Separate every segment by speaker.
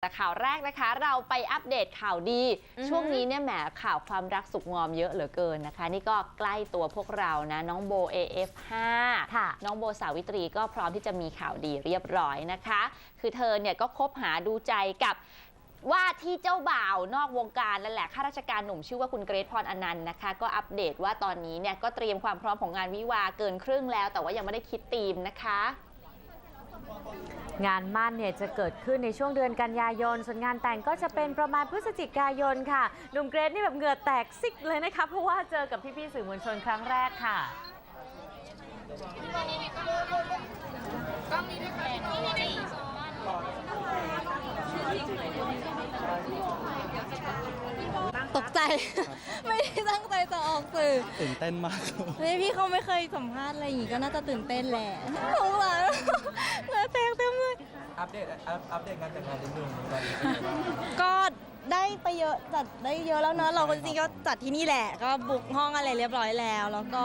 Speaker 1: แต่ข่าวแรกนะคะเราไปอัปเดตข่าวดีช่วงนี้เนี่ยแหมข่าวความรักสุขงอมเยอะเหลือเกินนะคะนี่ก็ใกล้ตัวพวกเรานะน้องโบ AF5 น้องโบสาวิตรีก็พร้อมที่จะมีข่าวดีเรียบร้อยนะคะคือเธอเนี่ยก็คบหาดูใจกับว่าที่เจ้าบ่าวนอกวงการนั่นแหละข้าราชการหนุ่มชื่อว่าคุณเกรทพรอนันต์นะคะก็อัปเดตว่าตอนนี้เนี่ยก็เตรียมความพร้อมของงานวิวาเกินครึ่งแล้วแต่ว่ายังไม่ได้คิดธีมนะคะ
Speaker 2: งานมั่นเนี่ยจะเกิดขึ้นในช่วงเดือนกันยายนส่วนงานแต่งก็จะเป็นประมาณพฤศจิกายนค่ะหนุ่มเกรทนี่แบบเหงื่อแตกซิกเลยนะคะเพราะว่าเจอกับพี่ๆสื่อมวลชนครั้งแรกค่ะ
Speaker 3: ตกใจ ไม่ได้ตั้งใจจะออกสื่อ
Speaker 4: ตื่นเต้นมาก
Speaker 3: พี่เขาไม่เคยสัมภาษณ์อะไรอย่างงี้ก็น่าจะตื่นเต้นแหละสงสารเหงื่อแตกเต็มเลย
Speaker 4: อัปเดตงานแต่งงานนิดนึง
Speaker 3: ก็ได้ไปเยอะจัดได้เยอะแล้วเนอะเราจริงๆก็จัดที่นี่แหละก็บุ๊กห้องอะไรเรียบร้อยแล้วแล้วก็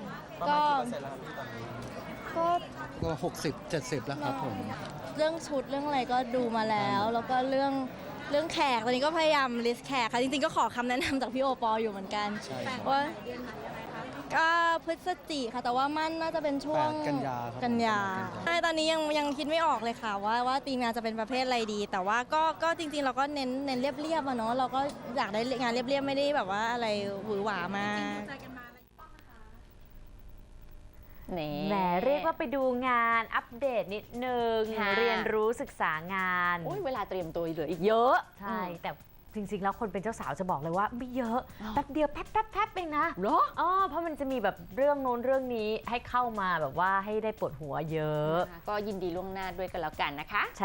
Speaker 4: ก็60-70แล้วครับผม
Speaker 3: เรื่องชุดเรื่องอะไรก็ดูมาแล้วแล้วก็เรื่องแขกตอนนี้ก็พยายามลิสต์แขกค่ะจริงๆก็ขอคำแนะนำจากพี่โอปออยู่เหมือนกันว่าก็พฤศจิค่ะแต่ว่ามั่นน่าจะเป็นช่วงกันยาใช่ตอนนี้ยังคิดไม่ออกเลยค่ะว่าทีมงานจะเป็นประเภทอะไรดีแต่ว่าก็จริงๆเราก็เน้นเรียบๆอะเนาะเราก็อยากได้งานเรียบๆไม่ได้แบบว่าอะไรหวือหวามา
Speaker 2: แหมเรียกว่าไปดูงานอัปเดตนิดนึงเรียนรู้ศึกษางาน
Speaker 1: เวลาเตรียมตัวเหลืออีกเยอะ
Speaker 2: ใช่แต่จริงๆแล้วคนเป็นเจ้าสาวจะบอกเลยว่าไม่เยอะแป๊บเดียวแป๊บเองนะ
Speaker 1: เหรอ
Speaker 2: เพราะมันจะมีแบบเรื่องโน้นเรื่องนี้ให้เข้ามาแบบว่าให้ได้ปวดหัวเยอะ
Speaker 1: ก็ยินดีล่วงหน้าด้วยกันแล้วกันนะคะ